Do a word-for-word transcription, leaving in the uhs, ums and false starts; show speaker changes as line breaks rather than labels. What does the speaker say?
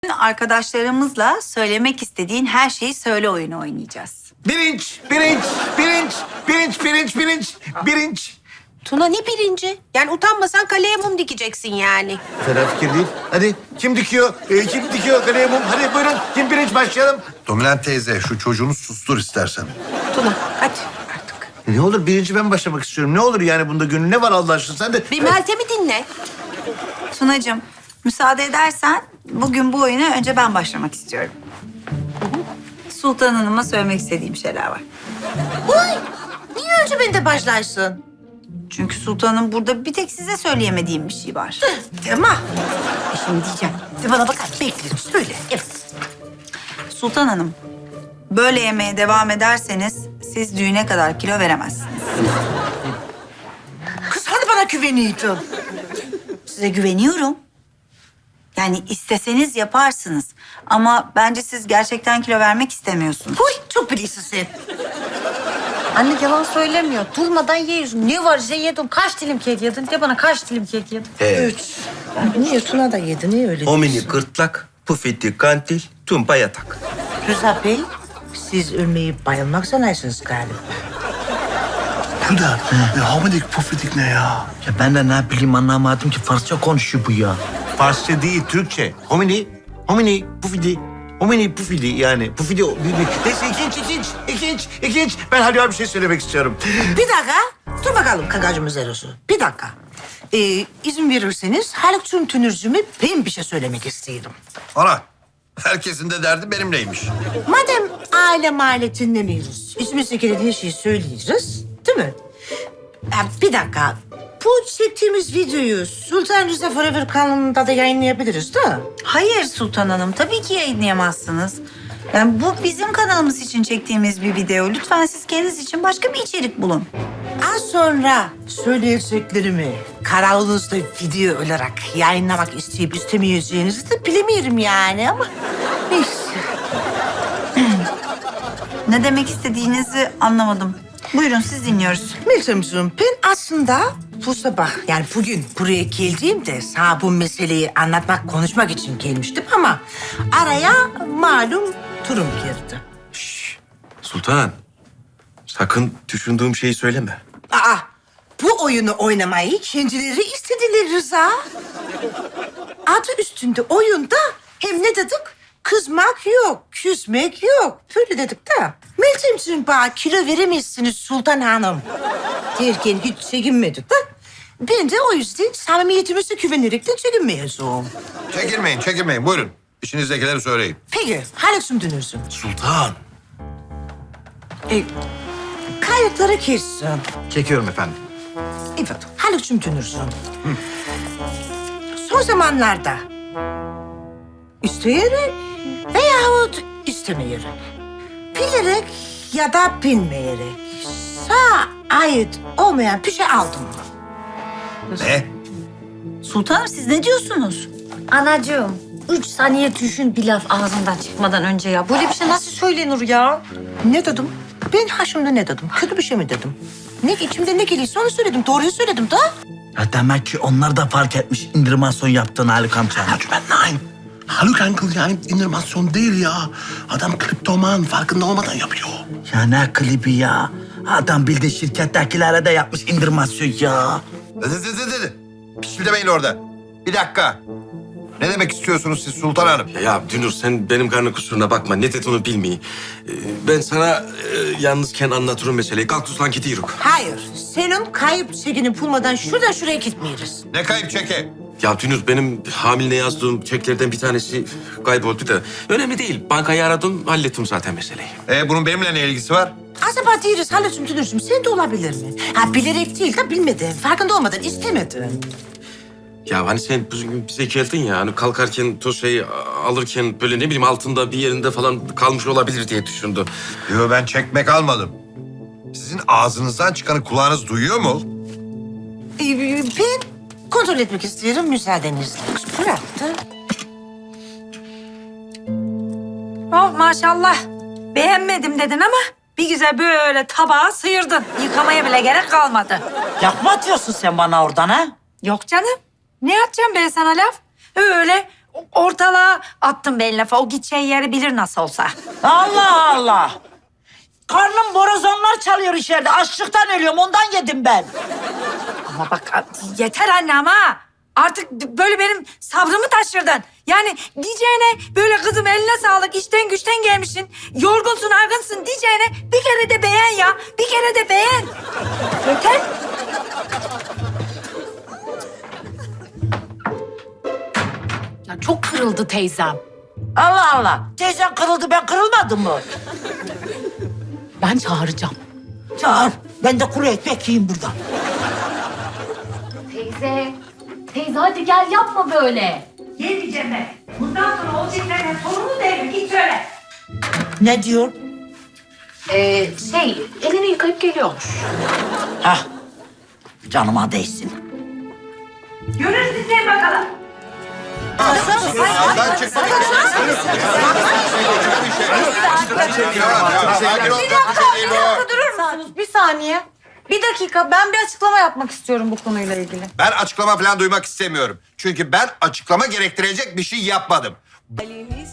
Arkadaşlarımızla söylemek istediğin her şeyi söyle oyunu oynayacağız.
Birinç, birinç, birinç, birinç, birinç, birinç, birinç.
Tuna ne birinci? Yani utanmasan kaleye mum dikeceksin yani.
Fena fikir değil. Hadi kim dikiyor? Ee, kim dikiyor kaleye mum? Hadi buyurun. Kim birinç başlayalım?
Dominant teyze şu çocuğunu sustur istersen.
Tuna hadi artık.
Ne olur birinci ben başlamak istiyorum. Ne olur yani bunda gönül ne var Allah aşkına? Sen de...
Bir Meltem'i dinle.
Tunacığım, müsaade edersen bugün bu oyuna önce ben başlamak istiyorum. Sultan Hanım'a söylemek istediğim şeyler var.
Uy, niye önce ben de başlarsın?
Çünkü Sultan'ın burada bir tek size söyleyemediğim bir şey var.
Tamam. E şimdi diyeceğim. Bir bana bakar beklerim söyle. Evet.
Sultan Hanım, böyle yemeye devam ederseniz siz düğüne kadar kilo veremezsiniz.
Kız hani bana güveniyordun?
Size güveniyorum. Yani isteseniz yaparsınız. Ama bence siz gerçekten kilo vermek istemiyorsunuz.
Uy çok biliyorsun sen.
Anne yalan söylemiyor. Durmadan yiyorsun. Ne var işte yedim. Kaç dilim kek yedin? De bana kaç dilim kek yedin?
Üç. Niye Tuna da yedi? Niye öyle
Homini
diyorsun?
gırtlak, pufiti kantil, tumpa yatak.
Rıza Bey, siz ölmeyi bayılmak zannedersiniz galiba.
Bu da ne hamidik pufidik ne ya?
Ya ben de ne bileyim anlamadım ki Farsça konuşuyor bu ya.
Farsça değil, Türkçe. Homini, homini, pufidi. Homini, pufidi yani. Pufidi, neyse ikinci, ikinci, ikinci, ikinci. Ben Halil abi bir şey söylemek istiyorum.
Bir dakika, dur bakalım kakacımız Erosu. Bir dakika. Ee, izin verirseniz Haluk'cum Tünürcü'me ben bir şey söylemek istiyorum.
Ana herkesin de derdi benimleymiş.
Madem aile mahalle dinlemiyoruz, içimizde gelen her şeyi söyleyeceğiz, değil mi? Ya bir dakika, bu çektiğimiz videoyu Sultan Rıza Forever kanalında da yayınlayabiliriz değil mi?
Hayır Sultan Hanım, tabii ki yayınlayamazsınız. Yani bu bizim kanalımız için çektiğimiz bir video. Lütfen siz kendiniz için başka bir içerik bulun.
Az sonra söyleyeceklerimi kanalınızda video olarak yayınlamak isteyip istemeyeceğinizi de bilemiyorum yani ama neyse.
Ne demek istediğinizi anlamadım. Buyurun siz dinliyoruz.
Meltemciğim ben aslında bu sabah yani bugün buraya geldiğimde sana bu meseleyi anlatmak, konuşmak için gelmiştim ama araya malum durum girdi.
Sultan, sakın düşündüğüm şeyi söyleme.
Aa, bu oyunu oynamayı kendileri istediler Rıza. Adı üstünde oyunda hem ne dedik? Kızmak yok, küsmek yok. Böyle dedik de. Meltemciğim bana kilo veremezsiniz Sultan Hanım derken hiç çekinmedik de. Ben de o yüzden samimiyetimize güvenerekten çekinmeyeceğim.
Çekilmeyin çekilmeyin buyurun. İşinizdekileri söyleyin.
Peki, Haluk'cum dönürsün.
Sultan.
E, kayıtları kessin.
Çekiyorum efendim.
Evet, Haluk'cum dönürsün. Son zamanlarda isteyerek veyahut istemeyerek, bilerek ya da bilmeyerek sana ait olmayan bir şey aldım mı?
Ne?
Sultan Hanım siz ne diyorsunuz?
Anacığım, üç saniye düşün bir laf ağzından çıkmadan önce ya. Böyle bir şey nasıl söylenir ya?
Ne dedim? Ben haşımda ne dedim? Kötü bir şey mi dedim? Ne içimde ne geliyorsa onu söyledim. Doğruyu söyledim da.
Ya demek ki onlar da fark etmiş indirmasyon yaptığını Haluk amca.
Ben nein. Haluk Uncle yani indirmasyon değil ya. Adam kriptoman farkında olmadan yapıyor.
Ya ne klibi ya. Adam bildiği şirkettekilere de yapmış indirmasyon ya.
Dedi dedi dedi. Pişti demeyin orada. Bir dakika. Ne demek istiyorsunuz siz Sultan Hanım?
Ya, ya Dünür sen benim karnı kusuruna bakma. Ne dediğini bilmeyi. Ee, ben sana e, yalnızken anlatırım meseleyi. Kalk tuzlan gidiyoruz.
Hayır. Senin kayıp çekini bulmadan şuradan şuraya gitmeyiz.
Ne kayıp çeke?
Ya Dünür benim hamile yazdığım çeklerden bir tanesi kayboldu da. Önemli değil. Bankayı aradım, hallettim zaten meseleyi.
Ee, bunun benimle ne ilgisi var?
Acaba değiliz Haluk'cum Tünürcüğüm. Sen de olabilir mi? Ha bilerek değil de bilmedin. Farkında olmadan istemedin.
Ya hani sen bugün bize geldin ya hani kalkarken toz şey alırken böyle ne bileyim altında bir yerinde falan kalmış olabilir diye düşündü.
Yo ben çekmek almadım. Sizin ağzınızdan çıkanı kulağınız duyuyor mu?
Ee, ben kontrol etmek istiyorum müsaadenizle. Bıraktı.
Oh maşallah. Beğenmedim dedin ama bir güzel böyle tabağa sıyırdın. Yıkamaya bile gerek kalmadı.
Laf mı atıyorsun sen bana oradan ha?
Yok canım. Ne atacağım ben sana laf? Öyle ortalığa attım ben lafı. O gideceği yeri bilir nasıl olsa.
Allah Allah. Karnım borazanlar çalıyor içeride. Açlıktan ölüyorum. Ondan yedim ben.
Ama bak yeter anne ama. Artık böyle benim sabrımı taşırdın. Yani diyeceğine böyle kızım eline sağlık, işten güçten gelmişsin, yorgunsun, argınsın diyeceğine bir kere de beğen ya. Bir kere de beğen. Yeter.
Ya çok kırıldı teyzem.
Allah Allah. Teyzen kırıldı, ben kırılmadım mı?
Ben çağıracağım.
Çağır. Ben de kuru ekmek yiyeyim buradan.
Teyze, teyze hadi gel yapma böyle.
Yemeyeceğim ben. Bundan sonra olacaklarının sorunu değil. Git söyle.
Ne diyor?
Ee, şey, elini yıkayıp geliyormuş.
Hah. Canıma değsin.
Görürüz izleyin bakalım.
Sağdan çık. Sakin ol.
Durur musunuz? Bir saniye. Bir dakika. Ben bir açıklama yapmak istiyorum bu konuyla ilgili.
Ben açıklama falan duymak istemiyorum. Çünkü ben açıklama gerektirecek bir şey yapmadım.